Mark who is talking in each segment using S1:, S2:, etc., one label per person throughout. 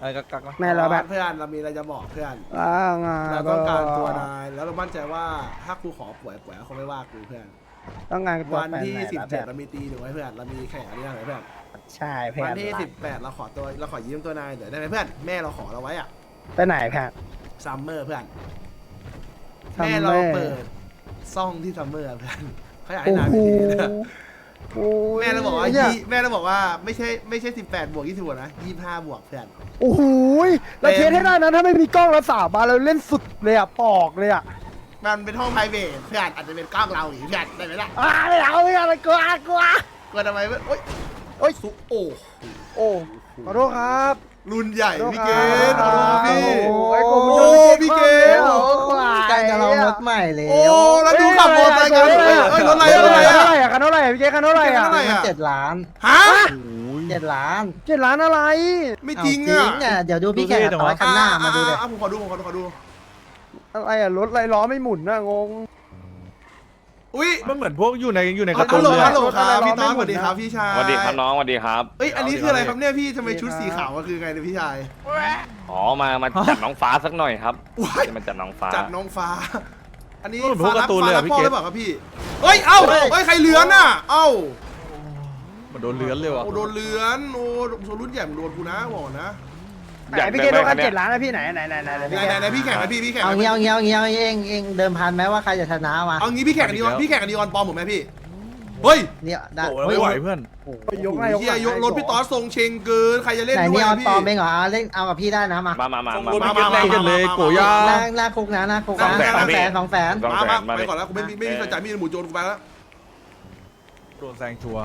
S1: อะไรกักๆนะ
S2: แม่เราแบบ
S3: เพื่อนเรามีอะไรจะบอกเพื่อน
S2: ไง
S3: เราต้องการตัวนายแล้วเรามั่นใจว่าถ้ากูขอป่วยๆเขาไม่ว่ากูเพื่อน
S2: ต้องงานตัว
S3: วันที่
S2: แฟนไหนล่ะ
S3: 17เรามีตีหนึ่งไว้เพื่อนเรามีแข่งอะไรนะเพื่อน
S2: ใช่เพื่อ
S3: วัน นที่18เราขอยืมตัวนายเดี๋ยวได้ไหมเพื่อนแม่เราขอเราไว้อะ
S2: ไปไหนเพื่อน
S3: ซัมเมอร์เพื่อน
S2: Summer
S3: แม่เราเปิดซ่องที่ซัมเมอร์เพื่อนเขาอยากให้
S2: โอ้
S3: นาย
S2: โห
S3: ไปทีนะ
S2: โอ้ย
S3: แม่เราบอกว่า
S2: เนี่ย
S3: แม่เราบอกว่าไม่ใช่18บวก20บวกนะ25บวกเพื่อน
S2: โอ้โหเราเทสให้ได้นะถ้าไม่มีกล้องเราสาบานเราเล่นสุดเลยอะปอกเลยอะ
S3: มันเป็นห้อง private เพื่อนอาจจะเป็นกล้องเราหรือเพื่อนได้ไหมล่ะ
S2: ไม่เอาไม่เอากลัว
S3: กลัวทำไมเพื่อนโอ๊ย
S2: โอ้ย
S3: สุโอ้
S2: โอ้ขอโทษครับ
S3: รุ่นใหญ่พี่เก
S2: ขอ
S3: ด
S2: โทษครับ
S3: พี่
S2: โอ้ย
S3: โอ้
S2: พี่
S3: พี่เกด
S2: โอ้ควาย
S4: ใกล้จะลองรถใหม่แล้ว
S3: โอ้แล้วดูขับมอเตอร์ไซค์กันเอ้ยรถอะไรรถอะไร
S2: เท่าไหร่
S3: อะ
S2: อะคันเท่าไหร่พี่เจ๊คันเท่าไหร่อะ
S3: คันเท่าไหร่
S4: มัน7 ล้าน
S3: ฮะ
S4: 7 ล้าน
S2: 7 ล้านอะไร
S3: ไม่จริง
S4: จริ
S3: อะ
S4: งอ่ะเดี๋ยวดูพี่แข่งกับต่อยคันหน้ามาดูเลย
S3: ผมขอดู
S2: อะไรอะรถไรล้อไม่หมุนนะงง
S3: อุ้ย
S1: มันเหมือนพวกอยู่ในการ์
S3: ฮั
S1: ตู
S3: ล
S1: น
S3: โหล
S1: เลย
S3: ฮัลโหล
S1: อะ
S3: ครับพี่ต้อม
S2: ไม่
S3: ส
S2: หมด
S3: วัสดีครับพี่ชาย
S5: สวัสดีครับน้องสวัสดีครับ
S3: เอ้ยอันนี้คืออะไรครับเนี่ยพี่ทำไมชุดสีขาวมันคือไงเนี่ยพี่ชาย
S5: อ๋อมาจัดน้องฟ้าสักหน่อยครับ
S3: ว้าย
S5: จะมาจัดน้องฟ้า
S3: จัดน้องฟ้า อันนี้
S1: มันเหมือนพวกการ์ตูนเลยอะพี่
S3: พ่อ
S1: เก
S3: ห
S1: ด
S3: รือเปล่าครับพี่เฮ้ยเอ้าเฮ้ยใครเลื้อนอ่ะเอ้า
S1: มันโดนเลื้อนเลยว่ะ
S3: โอ้โดนเลื้อนโอ้โซรุ่นใหญ่มันโดนกูนะบอกนะ
S2: ไหนพี่เจ๊รถคัน7 ล้านนะพี่ไหนพี่
S3: ไหนพี่แข่งนะพี่แข่ง
S4: เอา
S3: นะ
S4: เงี้ยเองเดิมพันไหมว่าใครจะชนะมา
S3: เอางี้พี่แข่งกันดีออนพี่แข่งกันดีออนปลอมผมไหมพี่เฮ้ย
S4: เนี่ยได้
S1: โอ้เราไม่ไหวเพื่อน
S2: ยกไง
S3: เฮียยกรถพี่ต๊อดทรงเชงเกินใครจะเล่น
S4: ไหน
S3: ด้วย
S4: นี่ออน
S3: พี่
S4: ปลอมเองเหรอเล่นเอากับพี่ได้นะมา
S5: มา
S1: รถพี่เกตแรงกันเลยโกย่า
S4: หน้าคุกนะหน้าคุก
S5: 200,000
S4: 200,000
S3: มาไปก่อนแล้วกูไม่มีสนใจมีหมูโจรกูไปแล้ว
S1: โดนแซงชัวร์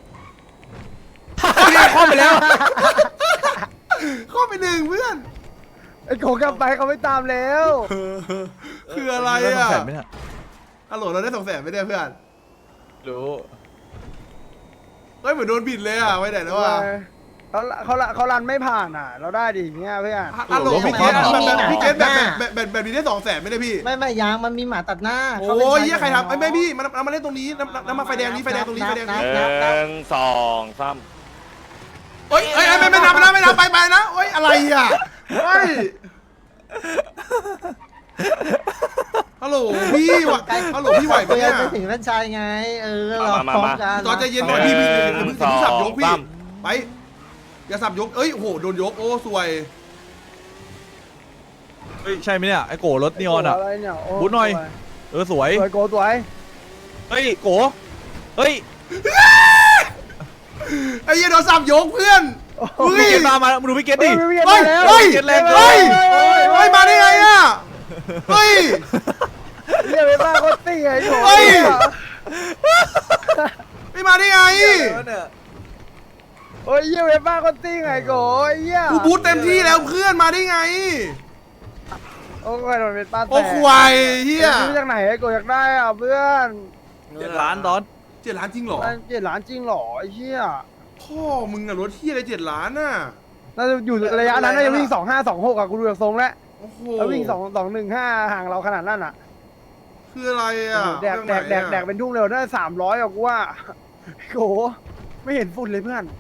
S3: เข้าไปแล้วเข้าไปหนึ่งเพื่อน
S2: ไอ้โขกลับไปเขาไม่ตามแล้ว
S3: คืออะไร
S1: ด้
S3: อ่ะ
S1: 200,000ไหมเนี่ย
S3: ฮัลโหลเราได้200,000ไม่ได้เพื่อน
S1: รู้
S3: เฮ้ยเหมือนโดนบิดเลยอ่ะไปไหนแล้วอ่ะ
S2: เขารันไม่ผ่านอ่ะ เราได้ดิอย่างเงี้ยเพื่อน
S3: ฮัลโหลพี่เกดพี่เกดแบบนี้ได้200,000ไม่ได้พี่
S4: ไม่ยางมันมีหมาตัดหน้า
S3: โอ้ยเฮียใครทำไม่พี่มันมาเล่นตรงนี้น้ำมาไฟแดงนี้ไฟแดงตรงนี้ไฟแดงนี้
S5: 1 2 3
S3: เฮ้ยไม่ทำไปนะเฮ้ยอะไรอ่ะเฮ้ยฮัลโหลพี่วะฮัลโหลพี่ไหวปะเนี่ย
S4: ไปถึงท่านชายไงเราพร้อมกัน
S3: ตอนใจเย็นหน่อยพี่มึงสับยกพี่ไปอย่าสับยกเอ้ยโอ้โหโดนยกโอ้สวย
S1: เฮ้ยใช่ไหมเนี่ยไอ้โกรถนีออนอ่ะ
S2: ไรเนี่ย
S1: บูทหน่อย สวย
S2: สวยโกสวย
S1: เฮ้ยโกเฮ้ย
S3: ไอ้เหี้ยโดนสับยกเพื่อนเฮ้ย
S1: พี่เกตตามมาดูพี่เกตดิ
S3: เฮ้ยเฮ้ยเฮ้ยมาได้ไงอ่ะเฮ้ย
S2: เรียกไปบ้าโคตรตี้ไอ้โข
S3: เฮ้ย ไม่มาได้ไง
S2: โอ้ยเยี่ยเวบ้าโคตรตี้ไงโกเยี่ย
S3: กูบูทเต็มที่แล้วเพื่อนมาได้ไง
S2: โอ้ยมันเป็นป้าแต่
S3: โอ้ควายเฮีย
S2: ซื้อจากไหนไอ้โกอยากได้อ่ะเพื่อน
S1: 7 ล้านดอน
S3: 7 ล้านจริงเหรอ
S2: 7 ล้านจริงหรอไอ้เหี้ย
S3: พ่อมึงอะรถที่อะไร7 ล้านน่ะ
S2: น่าจะอยู่ระยะนั้นน่าจะวิ่ง2526อ่ะกูดูจากทรงแล้ว
S3: โอ้โห
S2: แล้ววิ่ง215ห่างเราขนาดนั้นอ่ะ
S3: คืออะไรอ่ะ
S2: แดกเป็นทุ่งเร็วได้300อ่ะกูว่าโกไม่เห็นฝุ่นเลยเพื่อน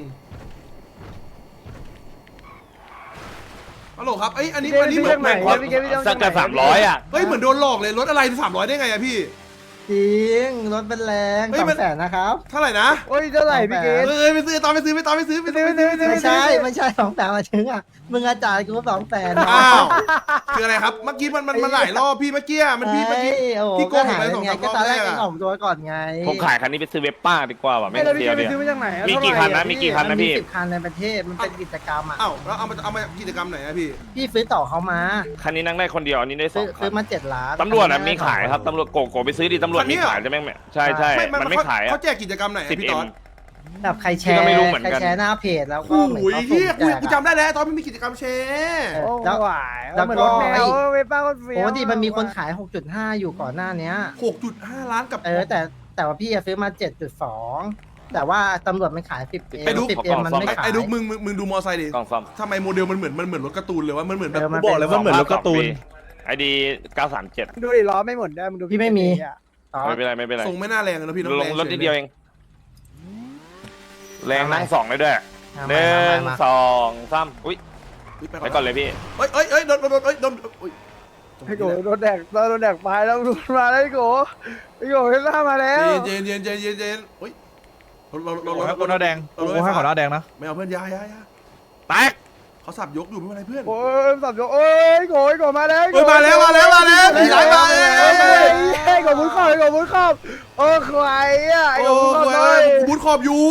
S3: ฮัลโหลครับอันนี้
S2: พี่
S3: เห
S2: เก
S3: มื
S2: ด
S3: อน
S2: พี่เกด
S5: สักกระ300อ่ะ
S3: เฮ้ยเหมือนโดนหลอกเลยรถอะไร300ได้ไงอะพี่
S4: จริงรถเป็นแรง200,000นะครับ
S3: เท่าไหร่นะ
S2: โอ้ยเท่าไหร่พี่เกด
S3: ไปซื้อตอนไปซื้อ
S4: ไม่ใช่200,000มาถึงอ่ะมึงอาจารย์กู200,000
S3: อ้าวคืออะไรครับเมื่อกี้มันหลายรอบพี่เมื่อกี้มันพี่เมื่อกี้พี่โกงผมไป2-3ร
S4: ก็
S3: อบ
S4: ตอน
S3: แร
S4: แรก
S3: ก
S4: ก็
S3: อะ
S4: ออกตัวก่อนไง
S5: ผมขายคันนี้ไปซื้อเวปป้าดีกว่าว่ะไม่
S2: ไม่แล้วพี่
S5: เดี
S2: เก
S5: ยว
S2: ดไป
S5: เนี่ย
S2: ซื้อมาจากไหน
S5: มีกี่คันนะมีกี่คัน
S4: มันมี10 คันในประเทศมันเป็นกิจกรรมอ่ะ
S3: อ้าวแล้วเอามากิจกรรมไหนอะพี่
S4: พี่ซื้อต่อเขามา
S5: คันนี้นั่งได้คนเดียวอันนี้ได้2
S4: ซื้
S5: คั
S4: อน มา7 ล้าน
S5: ตำรวจมีขายครับตำรวจโกไปซื้อดิตำรวจมีขายใช่ไหมใช่มันไม่ขาย
S3: เขา
S5: อ่ะ
S3: แจกกิจกรรมไหนพี่ต๊อด
S4: แบบใครแช
S5: พี่
S4: ร์
S5: ก็ไม่รู้เหมือน
S4: ใคร
S5: กัน
S4: แชร์หน้าเพจแล้วก็
S3: โอ้
S4: เหมือน
S3: โห
S4: เขา
S3: เฮีย
S4: สุ่มแจก
S3: กูจำได้แล้วตอนมันมีกิจกรรมแชร์
S2: โอ้
S4: แล้ว
S2: หวายแล้วเหมือนรถแมวเวป้าก็เฟี้ยว
S4: โอ้ดิมันมีคนขาย 6.5 อยู่ก่อนหน้านี้
S3: 6.5 ล้านกับ
S4: แต่ว่าพี่ซื้อมา 7.2 แต่ว่าตำรวจมันขาย 10M
S3: ไอ้ดุ๊ก
S4: 10M มันไม่ขาย
S3: ไอ้ดุ๊กมึงดูมอไซค์ดิ
S5: กล่องซ่อม
S3: ทำไมโมเดลมันเหมือนรถการ์ตูนเลยว่ามันเหมือนแบบ
S4: เออ
S1: กูบอกเลยว่าเหมือนรถการ์ตูน
S5: ไอดี937
S2: ดูดิล้อไม่หมดได้มึงดู
S4: พี่ไม่มี ต่อ
S5: ไม่เป็นไร
S3: ทรงไม่น่าแรงเลยนะพี่น้อง
S5: ลงรถนิดเดียวเองแรงนั่ง2เลยด้วย
S4: มา
S5: 1
S4: มา
S5: 2 3อุ้ยไปก่อนเลยพี่
S3: เอ้ยโดน
S2: ไอ้โกโดนแดกไปแล้วดูมาแล้วไอ้โกเฮล่ามาแล้ว
S3: เย็นเฮ้ยเรา
S1: ให้คนหน้าแดงกูให้ขอหน้าแดงนะ
S3: ไม่เอาเพื่อนยา
S1: แตก
S3: เขาสับยกอยู่ไม่เป็นไรเพื่อน
S2: โอ้ยสับยกโอ้ยโกมาแล้ว
S3: มาแล้วผีไหลมา
S2: ไอ้โกมุดขอบโอ้ควายอ่ะไอ้โกมุดขอบเลย
S3: บุญขอบอยู่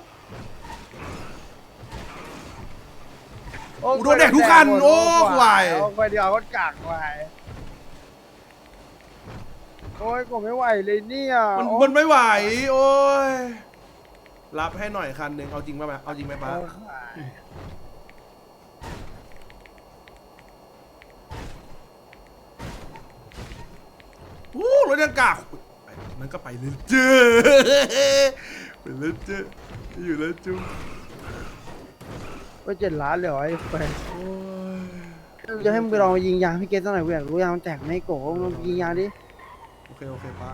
S3: โดนแดกทุกคันโอ้ควาย
S2: โอ้ควายเดียวก็กากควายโอ้ยโกไม่ไหวเลยเนี่ย
S3: มันไม่ไหวโอ้ยรับให้หน่อยคันหนึ่งเอาจริงป่ะเอาจริงไหมป้ารถยังกากนั่นก็ไปเลยเจ้ไปเลยเจ้อยู่แล้วจุ๊บ
S2: ไป7 ล้านเลยเหรอไอ้แฟนจะให้มึงไปลองยิงยางพี่เกตสักหน่อยกูอยากรู้ยางมันแตกไหมโกมึงยิงยางดิ
S3: โอเคป้า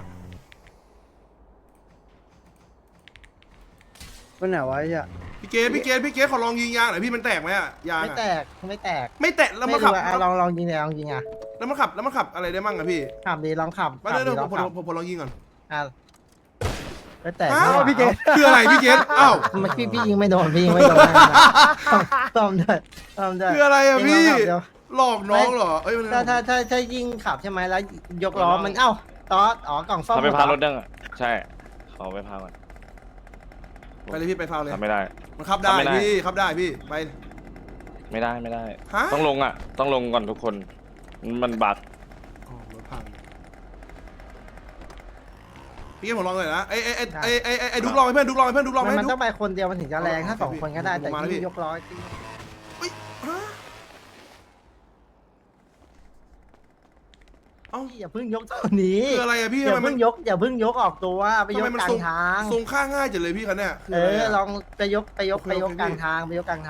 S2: ไปไหนวะไอ้เหี้ย
S3: พี่เกตขอลองยิงยางหน่อยพี่มันแตกไหมอะยาง
S4: ไม่แตกไม่แตก
S3: ไม่แตกแล้วมันขับ
S4: ลองยิงเลยลองยิงอ่ะ
S3: แล้วมันขับอะไรได้มั่งอะพี่
S4: ขับดีลองขับ
S3: มาเดี๋ยวผมลองยิงก่อน
S4: อ่ะไม่แตก
S3: อ้าว
S2: พี่เกต
S3: คืออะไรพี่เกตอ้าว
S4: พี่ยิงไม่โดนพี่ยิงไม่โดนต้อมด้วย
S3: คืออะไรอะพี่หลอกน้องเหรอเอ้ย
S4: ถ้ายิงขับใช่ไหมแล้วยกล้อมันตอสกล่องซ่อม
S5: เขาไปพารถเด้งอ่ะใช่เขาไปพามัน
S3: ไปเลยพี่ไปฟาวเลย
S5: ทำไม่ได้
S3: มันขับได้พี่ขับได้พี่ไป
S5: ไม่ได้
S3: ฮะ
S5: ต้องลงอ่ะต้องลงก่อนทุกคนมันบัก
S3: รถพังพี่เกตผมลองเลยนะไอ้ดุกลองให้เพื่อนดุกลองให้
S4: มันต้องไปคนเดียวมันถึงจะแรงถ้า2 คนก็ได้แต่ยิ่งยกล้อ
S3: เอ้า
S4: อย่าเพิ่งยกตัวนี้
S3: คืออะไรอะพี่
S4: อย่า
S3: ทำไม
S4: เพิ่งยกออกตัวไปยกกลางทาง
S3: ทรงค่าง่ายจังเลยพี่คันเนี่ย
S4: ลองไปยกกลางทางลองยกกลาง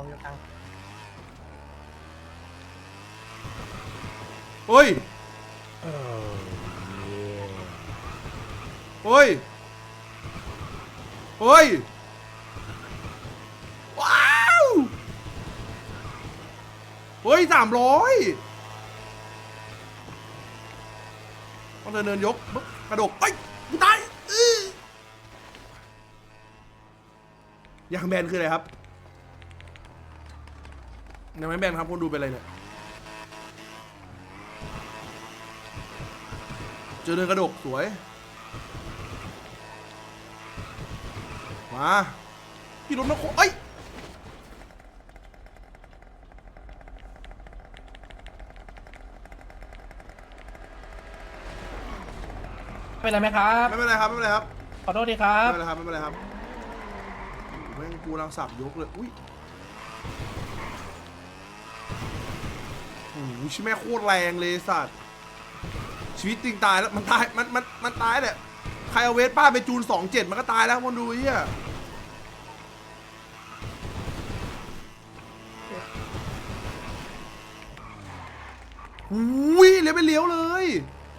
S3: เฮ้ยว้าวเฮ้ย300ต้องเดินยกกระดกเอ้ยกูตายยางแบนคืออะไรครับยางแบนครับคนดูเป็นอะไรเนี่ยเจอเดินกระดกสวยมาพี่รถนักโคเอ้ย
S6: เป็นไรไหมครับ
S3: ไม่เป็นไรครับ
S6: ขอโทษดีครับ
S3: ไม่เป็นไรครับแม่งกูรังสับยกเลยอุ้ยโอ้โหชิแม่โคตรแรงเลยสัตว์ชีวิตจริงตายแล้วมันตายมันตายแหละใครเอาเวสป้าไปจูน27มันก็ตายแล้วคนดูเฮียอุ้ยเลี้ยวไปเลี้ยวเลย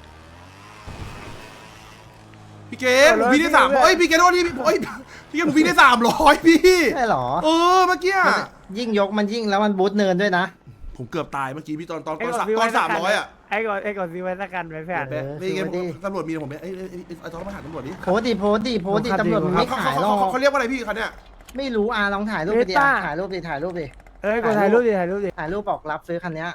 S3: พี่เกดผมวิ่งได้300เอ้ยพี่เกดโทษทีเอ้ยพี่เกดผมวิ่งได้300พี่
S4: ใช่หรอ
S3: เมื่อกี้
S4: ยิ่งยกมันยิ่งแล้วมันบูทเนินด้วยนะ
S3: ผมเกือบตายเมื่อกี้พี่ตอน300อ่ะ
S2: ไอ้ก่อนซื้อไว้สักกันไปแฟน
S3: พี่เกดตำรวจมีผมไอ้ต้องมาถามตำรวจดิ
S4: โพสดิตำรวจมันไม่ขายหรอก
S3: เขาเรียกว่าอะไรพี่คันเนี้ย
S4: ไม่รู้ลองถ่ายรูปไปดิถ่ายรูปดิ
S2: กดถ่ายรูปดิ
S4: ถ่ายรูปบอกรับซื้อคันเนี้ย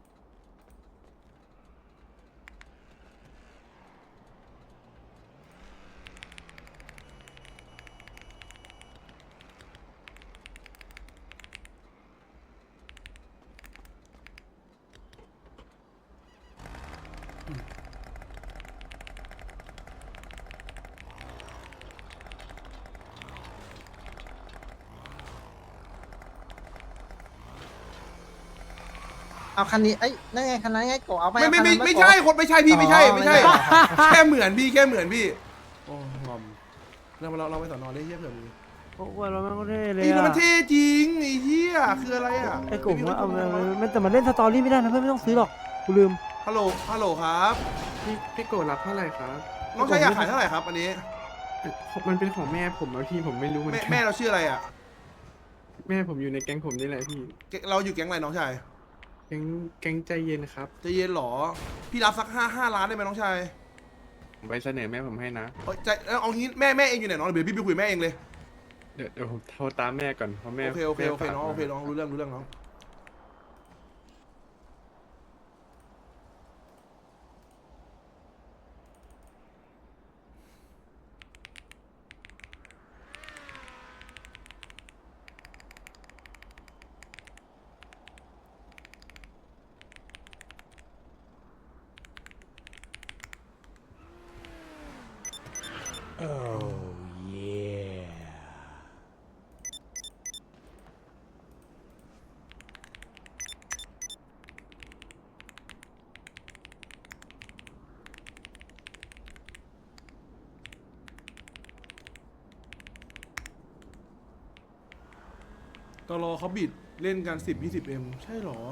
S4: เอาคันนี้นั่นไงคันนั้นไงโกเอาไป
S3: ไม่ใช่คนไม่ใช่พี่ไม่ใช่แค่เหมือนพี่โอ้งอมเราไปสอนอได้เหี้ยเผื่อมี
S2: โอ้ยเราไม่เท่เลย
S3: ไอ้มันเท่จริงไอ้เหี้ยคืออะไรอ่ะ
S2: ไอ้กลุ่มว่าเอามันแต่มันเล่นสตอรี่ไม่ได้นะเพื่อนไม่ต้องซื้อหรอกกูลืม
S3: ฮัลโหลครับ
S7: พี่โกรธรับเท่าไหร่ครับ
S3: น้องชายอยากขายเท่าไหร่ครับอันนี้
S7: มันเป็นของแม่ผมแล้วพี่ผมไม่รู้เหมือนกัน
S3: แม่เราชื่ออะไรอ่ะ
S7: แม่ผมอยู่ในแก๊งผมนี่แหละพี่
S3: เราอยู่แก๊งอะไรน้องชาย
S7: แก๊งใจเย็นครับ
S3: ใจะเย็นเหรอพี่รับสัก5 ล้านได้ไหมน้องชาย
S7: ผมไปเสนอแม่ผมให้นะ
S3: เอางี้แม่เองอยู่ไหนน้องเดี๋ยวพี่ไปคุยแม่เองเลย
S7: เดี๋ยวผมโทรตามแม่ก่อนเพราะแม่
S3: โอเค
S7: แม่ฝาก
S3: น้องโอเค
S7: มา
S3: น้องรู้เรื่องน้องตลอเขาบิดเล่นกัน10-20M ใช่เหรอ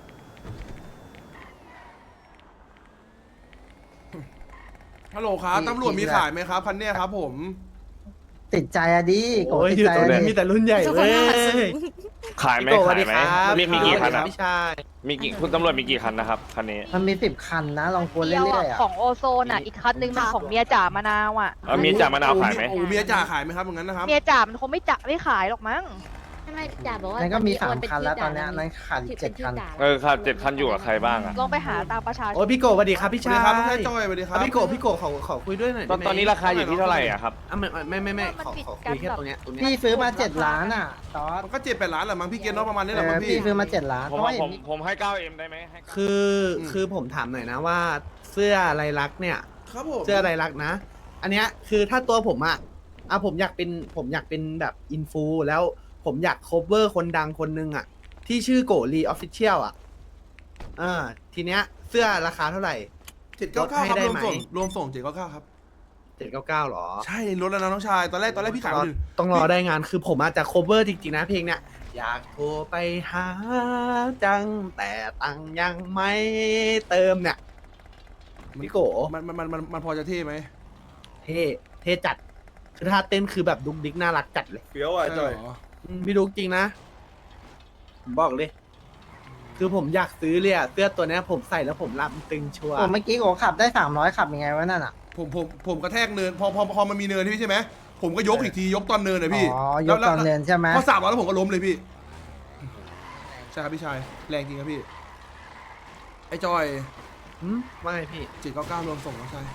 S3: ฮัลโหลครับตำรวจมีขายไหมครับคันเนี้ยครับผม
S4: ติดใจอะดิโกติดใจอะดิ
S8: มีแต่รุ่นใหญ่เว้ย
S5: ขายไหม
S8: พี่โกสวั
S5: ขา
S8: ส
S5: ย
S8: ดี
S5: ไหม
S8: ครับ
S5: มีกี่คันอะ
S8: พี่ชาย
S5: มีกี่คุณตำรวจมีกี่คันนะครับคันนี้
S4: มันมี10 คันนะลองกวน
S9: เดียว
S4: เรื่อ
S9: อะ
S4: ยๆอ่ะ
S9: ของโอโซนอ่ะ อีกคันนึงมันของเมียจ่ามะนาวอ่ะ
S5: มีจ่ามะนาวขายไหม
S3: โอ้เมียจ่าขายไหมครับอย่างนั้นนะครับ
S9: เมียจ่ามันคงไม่จ่าไม่ขายหรอกมั้ง
S10: ไม่จ่าบอกว่า
S4: นั่นก็มี
S10: ตอนนี้
S4: 3 คันแล้ว
S10: โเป็
S4: ตอนเนี้ย
S10: ชื่
S4: นั้นขาดอีก
S10: เป็น
S4: 7
S10: ชื่
S4: คัน
S10: จ่า
S5: ค่ะ7 คันอยู่กับใครบ้างอะ
S9: ลองไปหาตามประชาช
S8: โอ้
S9: น
S8: พี่โกสวัสดีครับพี่
S3: สวัส
S8: ชา
S3: ดี
S8: ย
S3: ครับน้องชายจอยสวัสดีครับ
S8: พี่โกขอคุยด้วยหน่อย
S5: ตอนนี้ราคาอยู่ที่เท่าไหร่อะครับ
S8: ขอคุยแค่ตรงเนี้ย
S4: พี่ซื้อมา7 ล้านอ่ะตอส
S3: มันก็7-8 ล้านแหละมั้งพี่เกณฑ์เนาะประมาณนี้แหละมั้ง
S4: พี่
S3: พี่
S4: ซื้อมา7 ล้าน
S5: ผม
S4: เพราะว่า
S5: ว่า
S4: เห็
S5: ผ
S4: น
S5: มให้ 9M ได้ไหมให้
S8: คือผมถามหน่อยนะว่าเสื้อลายลักษณ์เนี่ย
S3: ครับผม
S8: เสื้อลายลักษณ์นะ อันเนี้ยคือถ้าตัวผมอะผมอยากเป็นแบบอินฟูแล้วผมอยากโคเวอร์คนดังคนนึงอะที่ชื่อโกลีออฟฟิเชียลอะทีเนี้ยเสื้อราคาเท่าไหร่
S3: 799ครับ
S8: ลดให้ได้
S3: รวม
S8: ไหม
S3: ส่ง799ครับ
S8: 799หรอ
S3: ใช่ลดแล้วนะน้องชายตอนแรกพี่ขายคนอื่น
S8: ต้องรอได้งานคือผมอาจจะ cover จริงๆนะเพลงเนี้ยอยากโทรไปหาจังแต่ตังค์ยังไม่เติมเนี่ยพี่โก
S3: มันพอจะเท่ไหม
S8: เท่จัดคือท่าเต้นคือแบบดุกดิกน่ารักจัดเลย
S1: เฟี้ยวอ่ะจอย
S3: เหรอ
S8: พี่ดุกจริงนะผมบอกเลย คือผมอยากซื้อเลยอะเสื้อตัวเนี้ยผมใส่แล้วผมรับตึงชัวร์
S4: โอ้เมื่อกี้โกขับได้300ขับยังไงวะนั่นอ่ะ
S3: ผมกระแทกเนินพอมันมีเนินพี่ใช่ไหมผมก็ยกอีกทียกตอนเนินเลยพี่
S4: อ๋อยกตอนเนินใช่ไหม
S3: พอ300แล้วผมก็ล้มเลยพี่ใช่ครับพี่ชายแรงจริงครับพี่ไอ้จอย
S8: ว่าไงพี่
S3: 799รวมส่งน้องชาย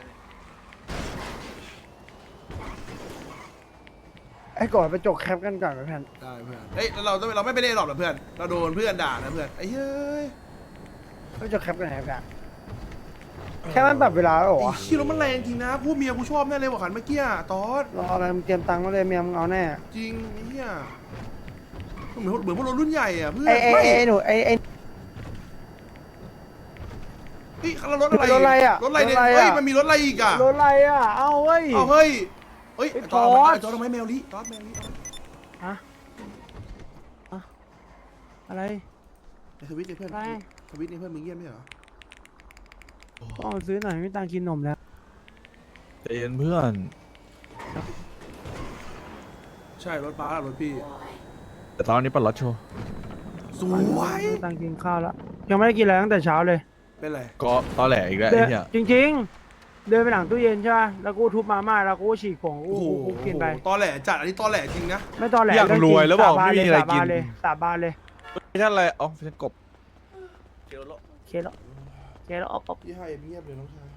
S2: ไอ้ก่อนไปจกแคปกันก่อนเพื่อน
S3: ได้เพื่อนเอ้ยเราไม่ไปเล่นหรอกนะเพื่อนเราโดนเพื่อนด่านะเพื่อนไอ้เฮ้ย
S2: ไปจกแคปกันไหนกันแค่มันปรับเวลาแล้วเหรอ
S3: ไอ้ขี้รถมันแรงจริงนะพวกเมียกูชอบแน่เลยว่าขันเมื่อกี้ตอส
S2: รออะไรมึงเตรียมตังค์มาเลยเมียมึงเอาแน่
S3: จริงไอ้เหี้ยเหมือนพวกรถรุ่นใหญ่อ่ะเพื่อน
S2: ไอ้หนูไอ้
S3: เฮ้ยแล้วรถอะไร
S2: รถอะไรอะ
S3: รถอะไรเนี่ย
S2: รถอะไรอะ
S3: เฮ้ยมันมีรถอะไรอีกอ่ะ
S2: รถอะไรอ่ะเอาเว้ย
S3: เอาเฮ้ยเฮ้ย
S2: ไอ้
S3: ตอส
S2: ตอส
S3: ตอสทำไมแมวลิตอสแมวลิ
S2: ฮะอะไร
S3: ในทวิตเนี่ยเพื่อน
S2: อะไร
S3: ทวิตเนี่ยเพื่อนมึงเยี่ยมไหมเหรอ
S2: ต้องซื้อหน่อยไม่มีตังค์กินนมแล้ว
S1: ใจเย็นเพื่อน
S3: ใช่รถป้าหรอรถพี่
S1: แต่ตอนนี้ปัดรถโชว์
S3: สวย
S2: ไม่มีตังค์กินข้าวแล้วยังไม่ได้กินอะไรตั้งแต่เช้าเลย
S3: เป็นไร
S1: ก็ตอแหลอีกแล้ว
S2: เดิ
S1: ไอ้
S2: น
S1: เหี้ย
S2: จริงๆ เดินไปหลังตู้เย็นใช่ป่ะแล้วกูทุบมาม่าแล้วกูฉีกผงกูกินไป
S3: ตอแหลจัดอันนี้ตอแหลจริงนะ
S2: ไม่ตอนแหล
S1: อยากรวยแล้วบอกไม่มีอะไรกิน
S2: สาบานเลย
S1: ไม่ใช่อะไรอ๋อเป็นกบ
S2: เคแล้วออก
S3: พี่ให้เงียบเลยน้องชาย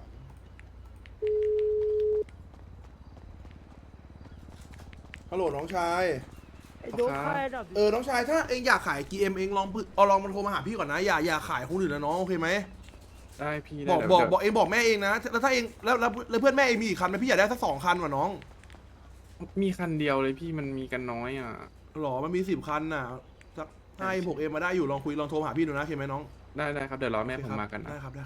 S3: ฮัลโหลน้องชาย
S2: ไอ้โดนค่ายดับ
S3: น้องชายถ้าเองอยากขาย GM เองลองมันโทรมาหาพี่ก่อนนะอย่าขายคนอื่นนะน้องโอเคไหม
S7: ได้พี่
S3: บอก
S7: ได้
S3: บอก
S7: เดี๋ยว
S3: บอกเองบอกแม่เองนะแล้วถ้าเองแล้วเพื่อนแม่เองมีอีกคันไหมพี่อยากได้สัก2 คันว่ะน้อง
S7: มีคันเดียวเลยพี่มันมีกันน้อยอ่ะ
S3: หรอมันมี10 คันน่ะสัก5-6M มาได้อยู่ลองโทรหาพี่ดูนะโอเคไหมน้อง
S7: ได้ครับเดี๋ยวรอแม่ผมมากันนะ
S3: ได้ครับ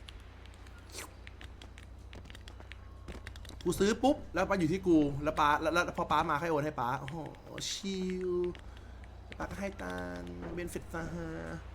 S3: กูซื้อปุ๊บแล้วป้าอยู่ที่กูแล้วป้าแล้วพอป้ามาให้โอนให้ป้าโอ้โหชิลป้าก็ให้ตังค์เบนฟิตซะฮะ